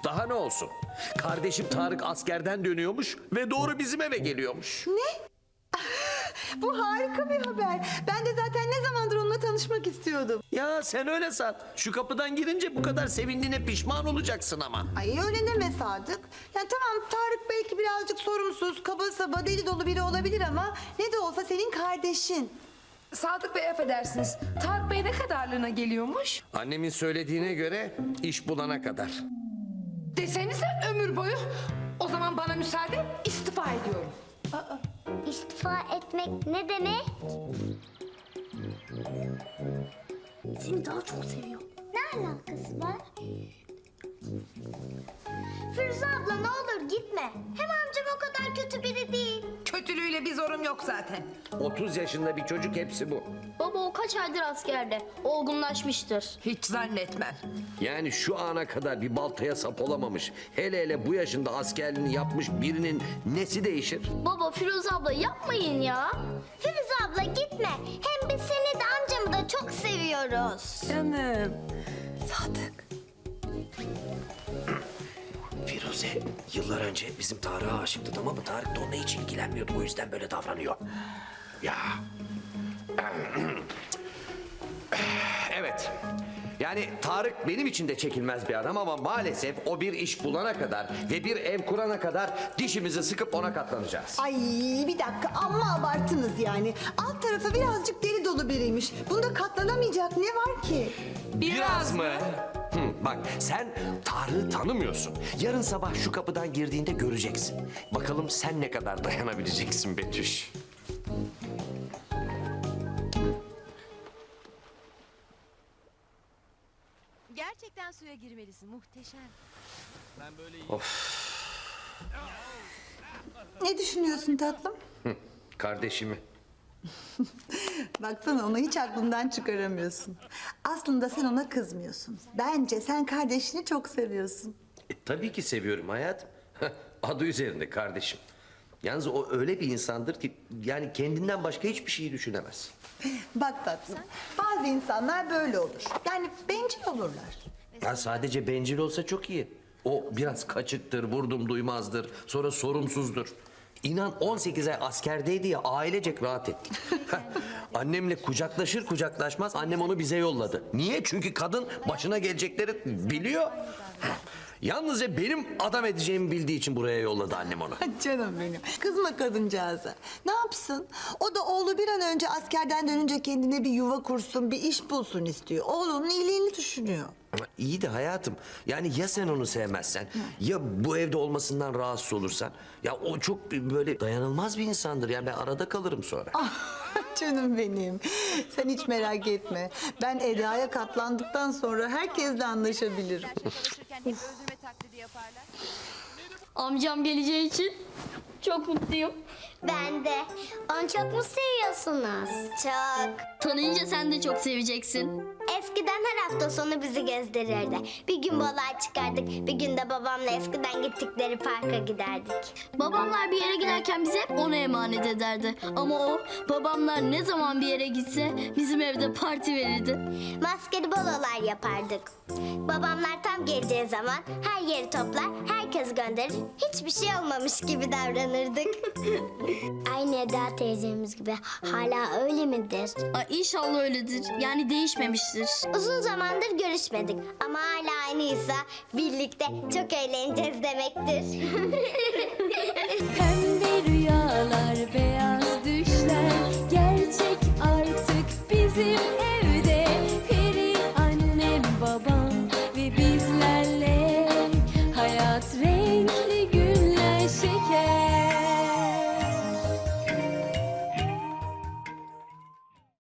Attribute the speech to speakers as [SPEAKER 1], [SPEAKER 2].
[SPEAKER 1] Daha ne olsun? Kardeşim Tarık askerden dönüyormuş ve doğru bizim eve geliyormuş.
[SPEAKER 2] Ne? Bu harika bir haber. Ben de zaten ne zamandır onunla tanışmak istiyordum.
[SPEAKER 1] Ya sen öyle san. Şu kapıdan girince bu kadar sevindiğine pişman olacaksın ama.
[SPEAKER 2] Ay öyle deme Sadık. Ya tamam, Tarık belki birazcık sorumsuz, kaba saba, deli dolu biri olabilir ama ne de olsa senin kardeşin.
[SPEAKER 3] Sadık Bey affedersiniz. Tarık Bey ne kadarlığına geliyormuş?
[SPEAKER 1] Annemin söylediğine göre iş bulana kadar.
[SPEAKER 3] Desenize ömür boyu. O zaman bana müsaade, istifa ediyorum.
[SPEAKER 4] İstifa etmek ne demek? Seni daha çok seviyor. Ne alakası var? Firuze abla ne olur gitme. Hem amcam o kadar kötü biri değil.
[SPEAKER 3] Kötülüğüyle bir zorum yok zaten.
[SPEAKER 1] 30 yaşında bir çocuk, hepsi bu.
[SPEAKER 5] Baba o kaç aydır askerde. Olgunlaşmıştır.
[SPEAKER 3] Hiç zannetmem.
[SPEAKER 1] Yani şu ana kadar bir baltaya sap olamamış, hele hele bu yaşında askerliğini yapmış birinin nesi değişir?
[SPEAKER 5] Baba Firuze abla yapmayın ya.
[SPEAKER 4] Firuze abla gitme. Hem biz seni de amcamı da çok seviyoruz.
[SPEAKER 3] Canım.
[SPEAKER 2] Sadık.
[SPEAKER 1] Firuze yıllar önce bizim Tarık'a aşıktı, tamam mı? Tarık da onunla hiç ilgilenmiyordu, o yüzden böyle davranıyor. Ya. Evet. Yani Tarık benim için de çekilmez bir adam ama maalesef o bir iş bulana kadar ve bir ev kurana kadar dişimizi sıkıp ona katlanacağız.
[SPEAKER 2] Ay bir dakika, amma abarttınız yani. Alt tarafı birazcık deli dolu biriymiş. Bunda katlanamayacak ne var ki?
[SPEAKER 1] Biraz mı? Bak sen Tarık'ı tanımıyorsun. Yarın sabah şu kapıdan girdiğinde göreceksin. Bakalım sen ne kadar dayanabileceksin Betüş.
[SPEAKER 6] Gerçekten suya girmelisin. Muhteşem.
[SPEAKER 2] Ne düşünüyorsun tatlım?
[SPEAKER 1] Kardeşimi.
[SPEAKER 2] Baksana, onu hiç aklından çıkaramıyorsun. Aslında sen ona kızmıyorsun. Bence sen kardeşini çok seviyorsun.
[SPEAKER 1] Tabii ki seviyorum hayatım. Adı üzerinde kardeşim. Yalnız o öyle bir insandır ki yani kendinden başka hiçbir şeyi düşünemez.
[SPEAKER 2] Bak tatlım, bazı insanlar böyle olur. Yani bencil olurlar.
[SPEAKER 1] Ya sadece bencil olsa çok iyi. O biraz kaçıktır, vurdum duymazdır, sonra sorumsuzdur. İnan 18 ay askerdeydi ya, ailecek rahat ettik. Annemle kucaklaşır kucaklaşmaz annem onu bize yolladı. Niye? Çünkü kadın başına gelecekleri biliyor. Yalnızca benim adam edeceğimi bildiği için buraya yolladı annem onu.
[SPEAKER 2] Canım benim. Kızma kadıncağıza. Ne yapsın? O da oğlu bir an önce askerden dönünce kendine bir yuva kursun, bir iş bulsun istiyor. Oğlunun iyiliğini düşünüyor.
[SPEAKER 1] Ama iyi de hayatım, yani ya sen onu sevmezsen, ya bu evde olmasından rahatsız olursan, ya o çok böyle dayanılmaz bir insandır. Yani ben arada kalırım sonra.
[SPEAKER 2] Canım benim. Sen hiç merak etme. Ben Eda'ya katlandıktan sonra herkesle anlaşabilirim.
[SPEAKER 6] Çalışırken hep öldürme taklidi yaparlar.
[SPEAKER 5] Amcam geleceği için çok mutluyum.
[SPEAKER 4] Ben de. Onu çok mu seviyorsunuz? Çok.
[SPEAKER 5] Tanıyınca sen de çok seveceksin.
[SPEAKER 4] Eskiden her hafta sonu bizi gezdirirdi. Bir gün balığa çıkardık, bir gün de babamla eskiden gittikleri parka giderdik.
[SPEAKER 5] Babamlar bir yere giderken bize hep ona emanet ederdi. Ama o babamlar ne zaman bir yere gitse bizim evde parti verirdi.
[SPEAKER 4] Maskeli balolar yapardık. Babamlar tam geleceği zaman her yeri toplar, herkes gönderir. Hiçbir şey olmamış gibi davranırdık. Aynı Eda teyzemiz gibi. Hala öyle midir?
[SPEAKER 5] Ay inşallah öyledir. Yani değişmemiştir.
[SPEAKER 4] Uzun zamandır görüşmedik ama hala aynıysa birlikte çok eğleneceğiz demektir.
[SPEAKER 7] Pembe rüyalar ve